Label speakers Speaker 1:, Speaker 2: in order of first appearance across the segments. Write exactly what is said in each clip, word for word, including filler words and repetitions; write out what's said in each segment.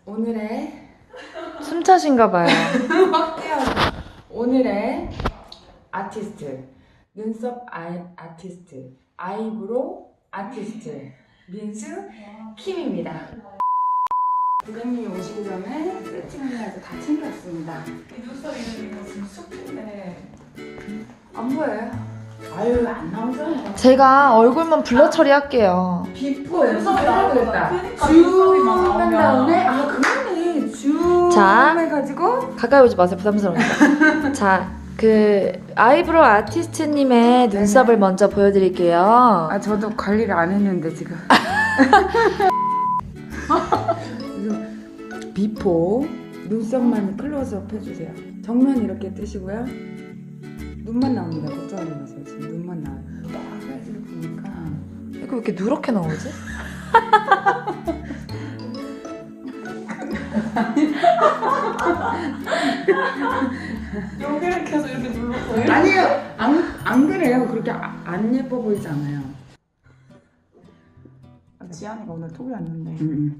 Speaker 1: 오늘의
Speaker 2: 숨차신가 봐요.
Speaker 1: 확 뛰어서 오늘의 아티스트 눈썹 아이, 아티스트 아이브로우 아티스트 민수 킴입니다. 고객님이 오시기 전에 세팅하면서 다 챙겼습니다.
Speaker 3: 이 눈썹 이름이 지금 숲인데
Speaker 1: 안 보여요? 아유 안 나오잖아요.
Speaker 2: 제가 얼굴만 블러 처리할게요.
Speaker 1: 비포
Speaker 3: 눈썹이
Speaker 1: 연습해야
Speaker 3: 나오잖아.
Speaker 1: 되겠다.
Speaker 3: 그러니까 눈썹이만
Speaker 1: 줌한
Speaker 3: 나오면.
Speaker 1: 다음에 아 그러네 줌
Speaker 2: 자.
Speaker 1: 해가지고
Speaker 2: 가까이 오지 마세요. 부담스러우니까. 자, 그 아이브로우 아티스트님의 눈썹을 먼저 보여드릴게요.
Speaker 1: 아 저도 관리를 안 했는데 지금 그래서 비포 눈썹만 클로즈업 해주세요. 정면 이렇게 뜨시고요. 눈만 나옵니다. 걱정하지 마세요. 지금 눈만 나와요. 딱 사이즈를 보니까
Speaker 2: 이거 왜 이렇게 누렇게 나오지?
Speaker 3: 여기를 계속 이렇게 눌렀어요?
Speaker 1: 아니에요. 안, 안 그래요. 그렇게 아, 안 예뻐 보이지 않아요.
Speaker 3: 아, 지안이가 오늘 톡이 왔는데
Speaker 1: 음.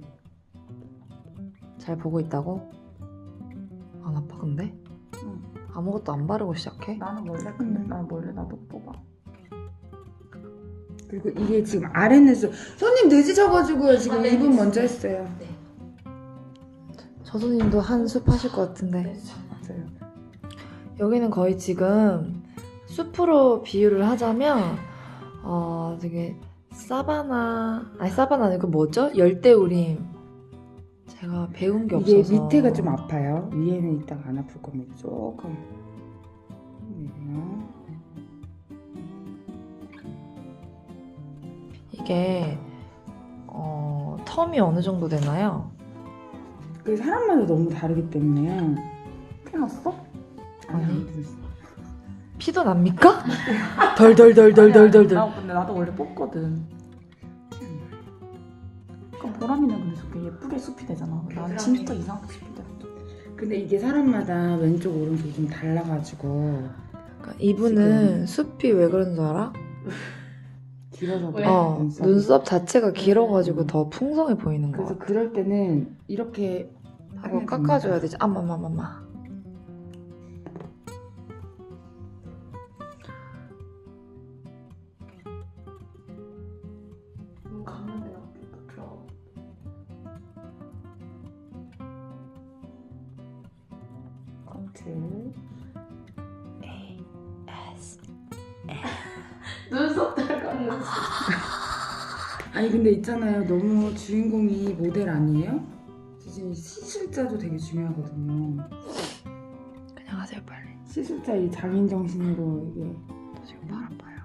Speaker 2: 잘 보고 있다고? 안 아파 근데?
Speaker 3: 응.
Speaker 2: 아무것도 안 바르고 시작해?
Speaker 3: 나는 원래 근데 난 원래 나도 뽑아.
Speaker 1: 그리고 이게 지금 아래 눈썹 손님 늦으셔가지고요. 지금
Speaker 3: 아, 네,
Speaker 1: 이분
Speaker 3: 네.
Speaker 1: 먼저 했어요.
Speaker 2: 저 손님도 한 숲 하실 것 같은데.
Speaker 1: 맞아요.
Speaker 2: 여기는 거의 지금 숲으로 비유를 하자면 어 되게 사바나 아니 사바나 아니고 뭐죠? 열대우림. 제가 배운 게
Speaker 1: 이게
Speaker 2: 없어서
Speaker 1: 밑에가 좀 아파요. 위에는 이따가 안 아플 겁니다. 조금. 네.
Speaker 2: 이게 어 텀이 어느 정도 되나요?
Speaker 1: 그 사람마다 너무 다르기 때문에요.
Speaker 3: 해놨어?
Speaker 2: 아니.
Speaker 1: 안 됐어.
Speaker 2: 피도 납니까? 덜덜덜덜덜덜덜.
Speaker 3: 나 근데 나도 원래 뽑거든. 그럼 보람이는 근데 저렇게 예쁘게 숲이 되잖아. 난 진짜 이상하게 숲이 돼.
Speaker 1: 근데 이게 사람마다 왼쪽 오른쪽 좀 달라가지고
Speaker 2: 그러니까 이분은 숲이 왜 그런 줄 알아?
Speaker 1: 길어서
Speaker 3: 왜?
Speaker 1: 그래요,
Speaker 2: 어
Speaker 1: 눈썹이.
Speaker 2: 눈썹 자체가 길어가지고 더 풍성해 보이는 거
Speaker 1: 그래서
Speaker 2: 같아.
Speaker 1: 그럴 때는 이렇게
Speaker 2: 하고
Speaker 1: 하면
Speaker 2: 깎아줘야
Speaker 1: 됩니다.
Speaker 2: 되지. 아마마마마.
Speaker 3: 눈 감는 데가 들어.
Speaker 1: 커트.
Speaker 3: 눈썹 들어가는.
Speaker 1: 아니 근데 있잖아요. 너무 주인공이 모델 아니에요? 지금 시술자도 되게 중요하거든요.
Speaker 2: 그냥 하세요 빨리.
Speaker 1: 시술자 이 장인 정신으로 이게
Speaker 2: 저 지금 발 아파요.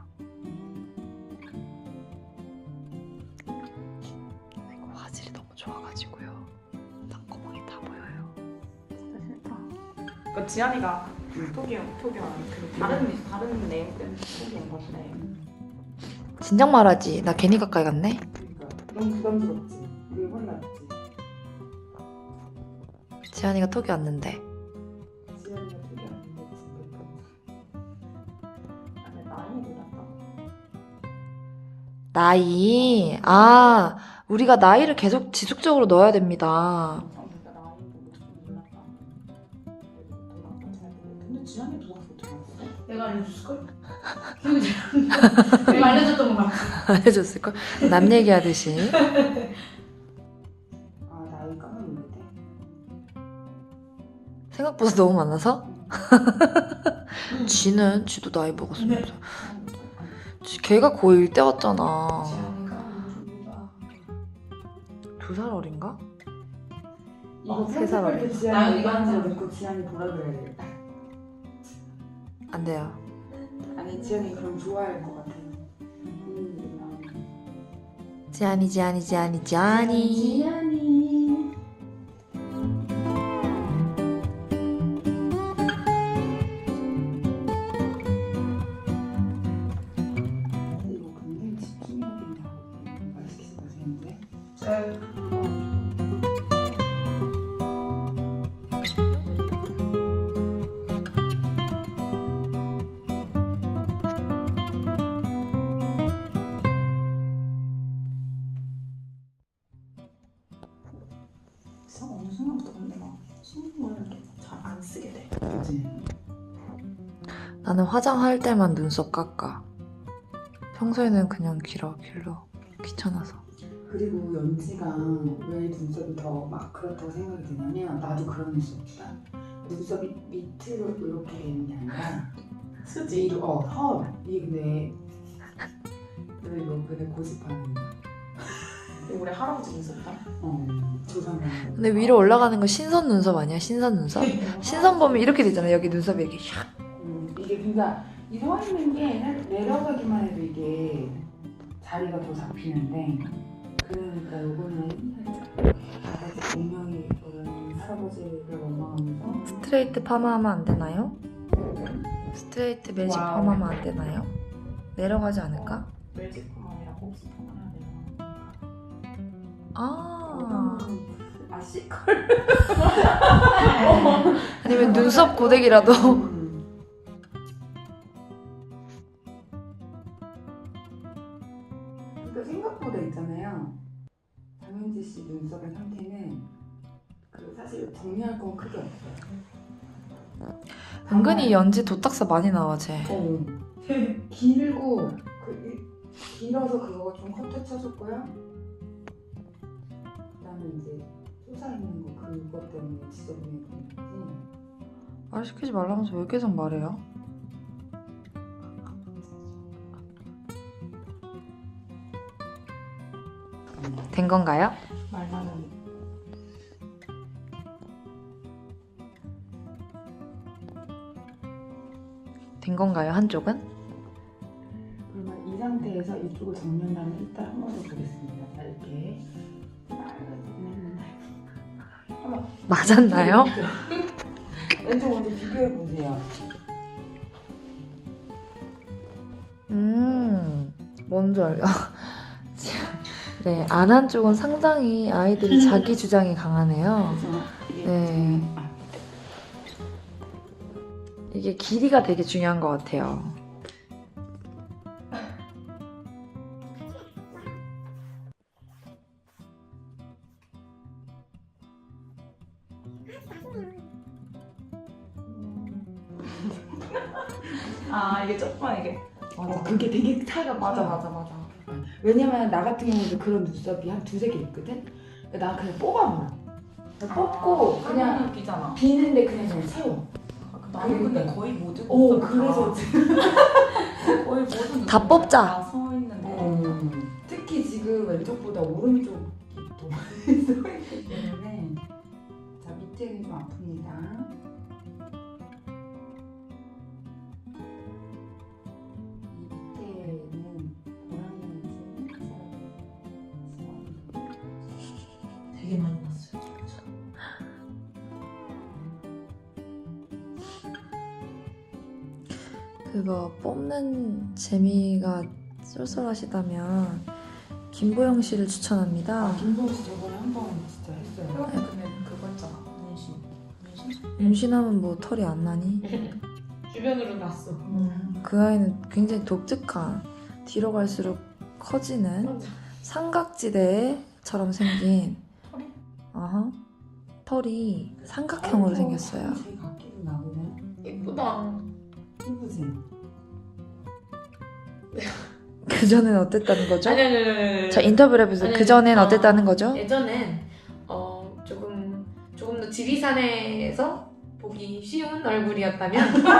Speaker 2: 이거 화질이 너무 좋아가지고요. 땅구멍이 다 보여요.
Speaker 3: 진짜 싫다. 그 지안이가 톡이 톡이 왔는데 그 다른 다른 네임 때문에 톡이 온 건데.
Speaker 2: 진작 말하지. 나 괜히 가까이 갔네.
Speaker 1: 그러니까 너무 부담스럽지. 이게 혼났지.
Speaker 2: 지안이가 톡이 왔는데.
Speaker 1: 지연이가 되게 안 됐지.
Speaker 3: 아니 나이 몰랐다.
Speaker 2: 나이. 아 우리가 나이를 계속 지속적으로 넣어야 됩니다.
Speaker 3: 아 근데 나이 보고 좀 몰랐다. 근데 지안이 누가 그렇게 알았어? 내가 알려줬을걸? 기억이 잘 내가 알려줬던 거 같아.
Speaker 2: 알려줬을걸? 남 얘기하듯이.
Speaker 1: 아 나이 까먹는데.
Speaker 2: 생각보다 너무 많아서? 지는 지도 나이 먹었습니다. 지- 걔가 고일 때 왔잖아.
Speaker 3: 지안이가 누가
Speaker 2: 두 살 어린가?
Speaker 1: 이거
Speaker 2: 세 살
Speaker 1: 편집할 때
Speaker 3: 어린.
Speaker 1: 지연이
Speaker 3: 나연이가
Speaker 1: 이거
Speaker 3: 한
Speaker 1: 한거
Speaker 3: 살.
Speaker 1: 듣고 지연이 돌아줘야 되겠다.
Speaker 2: 안 돼요.
Speaker 1: 아니 지연이 그럼 좋아할 것 같아. 음,
Speaker 2: 지안이 지안이 지안이 지안이.
Speaker 1: 지연이. 이거 굉장히 집중해야 된다고 말시키지 마시는데.
Speaker 3: 참 어느 순간부터 근데 막 신경을 이렇게 잘 안 쓰게 돼.
Speaker 1: 그치?
Speaker 2: 나는 화장할 때만 눈썹 깎아. 평소에는 그냥 길어 길러. 귀찮아서.
Speaker 1: 그리고 연지가 왜 눈썹이 더 막 그렇다고 생각이 드냐면 나도 그런 눈썹이다. 눈썹이 밑으로 이렇게 되는 게 아니라
Speaker 3: 수지.
Speaker 1: 위로 어 헐. 이게 근데 너 이거 근데 고집하는
Speaker 3: 우리 할아버지 눈썹이다.
Speaker 1: 어 조상을.
Speaker 2: 근데 위로 올라가는 거 신선 눈썹 아니야? 신선 눈썹? 신선 보면 이렇게 되잖아. 여기 눈썹이 이렇게 샥.
Speaker 1: 음, 이게 그러니까 이 서 있는 게 내려가기만 해도 이게 자리가 더 잡히는데 그러니까 요거는 살짝 아버지 운명이 그런 할아버지를 원망하면서
Speaker 2: 스트레이트 파마하면 안 되나요? 스트레이트 매직
Speaker 3: 와우.
Speaker 2: 파마하면 안 되나요? 내려가지 않을까?
Speaker 3: 멜지코만이랑 곱슬 파마해야 되나?
Speaker 2: 아
Speaker 1: 아 시컬
Speaker 2: 아니면 눈썹 고데기라도.
Speaker 1: 음. 그러니까 생각보다 있잖아요. 장현지 씨 눈썹의 상태는 그 사실 정리할 건 크게 없어요.
Speaker 2: 은근히 연지 도딱사 많이 나와 쟤.
Speaker 1: 어. 길고 그 이- 길어서 그거 좀 커트 쳐줬고요. 그다음에 이제 솟아 있는 거 그거 때문에 지저분해 보이는 거지.
Speaker 2: 말 시키지 말라면서 왜 계속 말해요? 된 건가요?
Speaker 3: 말만은
Speaker 2: 된 건가요? 한쪽은?
Speaker 1: 그러면 이 상태에서 이쪽을 정면하면 이따 한 번 더 보겠습니다. 자 이렇게 빨간색은 했는데 한번
Speaker 2: 맞았나요?
Speaker 1: 왼쪽 먼저 비교해 보세요.
Speaker 2: 음, 뭔지 알죠? 네, 안 한 쪽은 상당히 아이들이 자기 주장이 강하네요.
Speaker 1: 그래서 이게
Speaker 2: 네.
Speaker 1: 좀- 아,
Speaker 2: 이게 길이가 되게 중요한 것 같아요.
Speaker 3: 아 이게 조금만 이게
Speaker 1: 어, 그게 되게 차이가
Speaker 3: 맞아
Speaker 1: 커요.
Speaker 3: 맞아 맞아.
Speaker 1: 왜냐면 나 같은 경우도 그런 눈썹이 한 두세 개 있거든? 나 그냥 뽑아버려. 그냥 뽑고 그냥
Speaker 3: 그냥 비잖아.
Speaker 1: 비는데 그냥 그냥 채워.
Speaker 3: 나는 근데 거의 모든
Speaker 1: 오
Speaker 3: 눈썹이
Speaker 1: 그래서
Speaker 3: 다- 거의 모든
Speaker 2: 다
Speaker 3: 눈썹이
Speaker 2: 뽑자.
Speaker 3: 다 서 있는데
Speaker 1: 음, 특히 지금 왼쪽보다 오른쪽이 더 많이 써있기 때문에 자 밑에는 좀 아픕니다. 이 밑에는 보라색이
Speaker 3: 되게 많이 났어요.
Speaker 2: 그거 뽑는 재미가 쏠쏠하시다면 김보영 씨를 추천합니다.
Speaker 1: 아 김소은 씨 저번에 한 번 진짜 했어요.
Speaker 3: 그런데 근데 그거 있잖아. 문신. 문신?
Speaker 2: 임신하면 뭐 털이 안 나니?
Speaker 3: 주변으로 났어.
Speaker 2: 그 아이는 굉장히 독특한 뒤로 갈수록 커지는 삼각지대처럼 생긴
Speaker 3: 털이?
Speaker 2: 어허, 털이 삼각형으로 생겼어요.
Speaker 1: 제 각기도 나오네.
Speaker 3: 예쁘다.
Speaker 1: 이쁘지?
Speaker 2: 그 전엔 어땠다는 거죠?
Speaker 4: 아니 아니 아니 아니.
Speaker 2: 자 인터뷰를 해보세요.
Speaker 4: 아니,
Speaker 2: 그 전엔
Speaker 4: 어.
Speaker 2: 어땠다는 거죠?
Speaker 4: 예전엔 어 조금 조금 더 지리산에서 보기 쉬운 얼굴이었다면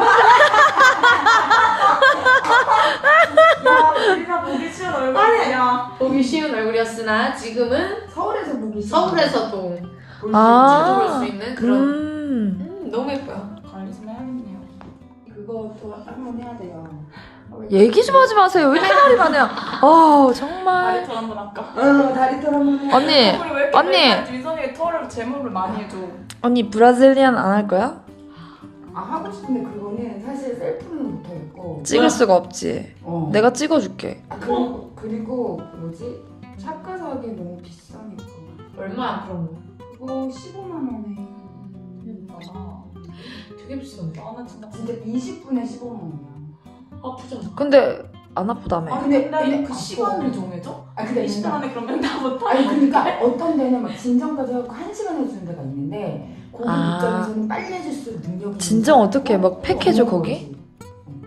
Speaker 3: 야 우리가 보기 쉬운 얼굴이야.
Speaker 4: 보기 쉬운 얼굴이었으나 지금은
Speaker 1: 서울에서 보기 싫어.
Speaker 4: 서울에서도
Speaker 1: 볼수
Speaker 2: 아.
Speaker 4: 자주 볼 수 있는 그런
Speaker 2: 음,
Speaker 4: 음, 너무 예뻐요.
Speaker 3: 관리 좀 해야겠네요.
Speaker 1: 있지. 그것도 한번 해야 돼요.
Speaker 2: 얘기 좀 하지 마세요. 왜 이렇게 말이 많아요? 아 정말.
Speaker 3: 다리 털 한번 할까?
Speaker 1: 어 다리털 한번 해.
Speaker 2: 언니,
Speaker 3: 우리 왜 이렇게
Speaker 2: 언니.
Speaker 3: 맨날 윈선이가 털을 제모를 많이 해줘?
Speaker 2: 언니 브라질리안 안 할 거야?
Speaker 1: 아 하고 싶은데 그거는 사실 셀프는 못하겠고.
Speaker 2: 찍을 수가 없지.
Speaker 1: 어.
Speaker 2: 내가 찍어줄게.
Speaker 1: 아, 그리고 그리고 뭐지? 샵 가서 하기 너무 비싸니까.
Speaker 4: 얼마야 그런 거?
Speaker 1: 그거 십오만 원에.
Speaker 3: 음, 맞아.
Speaker 4: 되게 비싼데.
Speaker 3: 나는 진짜
Speaker 1: 진짜 이십 분에 십오만 원이야.
Speaker 4: 아프잖아.
Speaker 2: 근데 안 아프다며.
Speaker 1: 아 근데
Speaker 3: 근데
Speaker 1: 근데
Speaker 3: 그
Speaker 1: 아파.
Speaker 3: 시간을 정해줘?
Speaker 1: 아 근데
Speaker 3: 이십 분
Speaker 1: 뭔가-
Speaker 3: 안에 그러면 다 못하는
Speaker 1: 아니 그러니까 어떤 데는 막 진정까지 하고 한 시간 해주는 데가 있는데 거기
Speaker 2: 아.
Speaker 1: 입장에서는 빨리 해줄수록 능력이
Speaker 2: 진정
Speaker 1: 있는
Speaker 2: 어떻게
Speaker 1: 거고
Speaker 2: 막 팩해줘,
Speaker 1: 없는
Speaker 2: 거기?
Speaker 1: 거지. 응.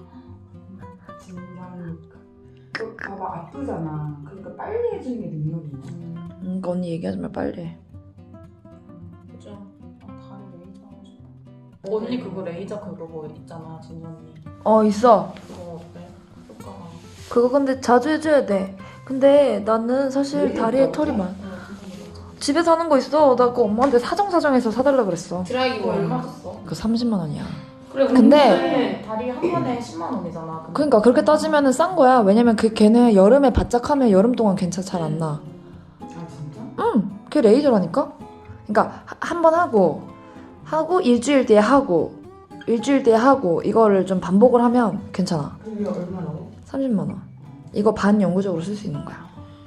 Speaker 1: 진정 그 봐봐 아프잖아. 그러니까 빨리 해주는 게 능력이 있는 거야.
Speaker 2: 음, 언니 얘기하지 말 빨리 해.
Speaker 3: 그죠? 아, 다리 레이저 하고 싶어. 언니 그거 레이저 그거 뭐 있잖아, 진언니
Speaker 2: 어 있어.
Speaker 3: 그거 어때? 효과가.
Speaker 2: 그거 근데 자주 해줘야 돼. 근데 나는 사실
Speaker 1: 왜
Speaker 2: 다리에
Speaker 1: 있다고?
Speaker 2: 털이 많아.
Speaker 3: 어, 진짜 레이저.
Speaker 2: 집에서 하는 거 있어. 나 그거 엄마한테 사정사정해서 사달라 그랬어.
Speaker 4: 드라이기
Speaker 3: 이거 얼마
Speaker 4: 얼마?
Speaker 3: 줬어?
Speaker 2: 그 삼십만 원이야.
Speaker 3: 그래,
Speaker 2: 근데-
Speaker 3: 근데 다리 한 번에 십만 원이잖아. 근데.
Speaker 2: 그러니까 그렇게 따지면은 싼 거야. 왜냐면 그 걔는 여름에 바짝 하면 여름 동안 괜찮 잘 안 나.
Speaker 1: 아 진짜?
Speaker 2: 응, 그게 레이저라니까. 그러니까 한 번 하고 하고 일주일 뒤에 하고 일주일 뒤에 하고 이거를 좀 반복을 하면 괜찮아.
Speaker 1: 그게 얼마라고?
Speaker 2: 삼십만 원. 이거 반 영구적으로 쓸 수 있는 거야.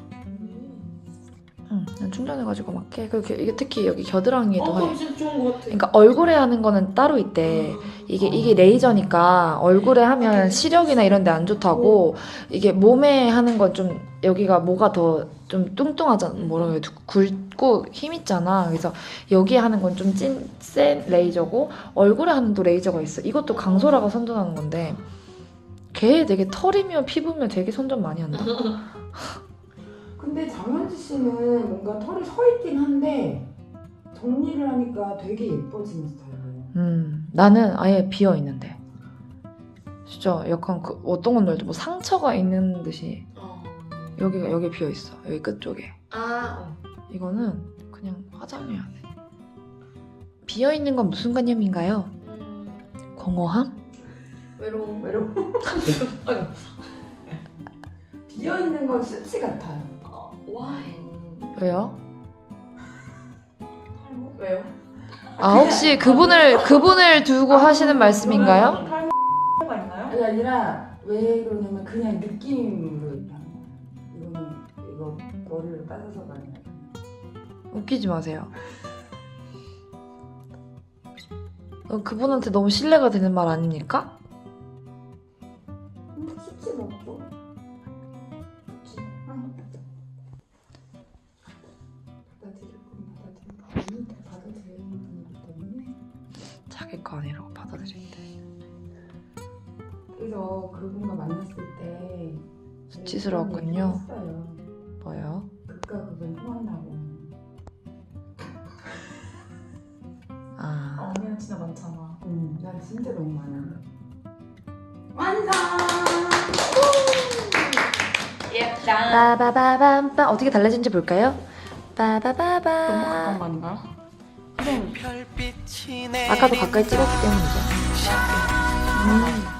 Speaker 2: 응, 난 충전해가지고 막 해. 그리고 이게 특히 여기 겨드랑이에도
Speaker 4: 어,
Speaker 2: 해.
Speaker 4: 진짜 좋은 것 같아.
Speaker 2: 그러니까 얼굴에 하는 거는 따로 있대. 이게 이게 레이저니까 얼굴에 하면 시력이나 이런 데 안 좋다고. 이게 몸에 하는 건 좀 여기가 뭐가 더 좀 뚱뚱하잖아. 뭐라고 해야 돼? 굵고 힘 있잖아. 그래서 여기에 하는 건 좀 찐 센 레이저고 얼굴에 하는 또 레이저가 있어. 이것도 강소라가 선전하는 건데 걔 되게 털이며 피부며 되게 선전 많이 한다.
Speaker 1: 근데 장현지 씨는 뭔가 털이 서 있긴 한데 정리를 하니까 되게 예뻐지는 스타일이에요.
Speaker 2: 음, 나는 아예 비어 있는데. 진짜 약간 그 어떤 건 알죠? 뭐 상처가 있는 듯이
Speaker 4: 어.
Speaker 2: 여기가 여기 비어 있어. 여기 끝 쪽에.
Speaker 4: 아, 어.
Speaker 2: 이거는 그냥 화장해야 돼. 비어 있는 건 무슨 개념인가요?
Speaker 4: 음,
Speaker 2: 공허함?
Speaker 4: 외로움.
Speaker 1: 외로워.
Speaker 4: 아이고.
Speaker 1: 비어 있는 건 수치 같아요.
Speaker 4: 어, 와.
Speaker 2: 왜요?
Speaker 3: 탈모?
Speaker 4: 왜요?
Speaker 2: 아 혹시 그분을 그분을 두고 하시는 말씀인가요?
Speaker 3: 탈모가 있나요?
Speaker 1: 아니 아니라 왜 그러냐면 그냥 느낌으로 얘기하는 거야. 이거는 이거 머리를 따져서가 아니라.
Speaker 2: 웃기지 마세요. 어, 그분한테 너무 신뢰가 되는 말 아닙니까?
Speaker 1: 음, 수치 맞죠? 수치. 응. 받아들일 건 받아들일 건 받아들이는 분이기 때문에.
Speaker 2: 자기 거 아니라고 받아들인대.
Speaker 1: 그래서 그분과 만났을 때
Speaker 2: 수치스러웠군요.
Speaker 1: 그런 얘기를 했어요.
Speaker 2: 뭐요?
Speaker 1: 극과 극은 통한다고.
Speaker 2: 아
Speaker 3: 아, 언니는 진짜 많잖아.
Speaker 1: 응, 난 진짜 너무 많아. 완성!
Speaker 3: 예쁘다.
Speaker 2: 빠바바밤빰 어떻게 달라진지 볼까요?
Speaker 3: 너무
Speaker 2: 빠바바밤
Speaker 3: 가까운 거 아닌가요?
Speaker 2: 아까도 가까이 찍었기 때문이죠.
Speaker 5: 때문이죠.
Speaker 2: 음.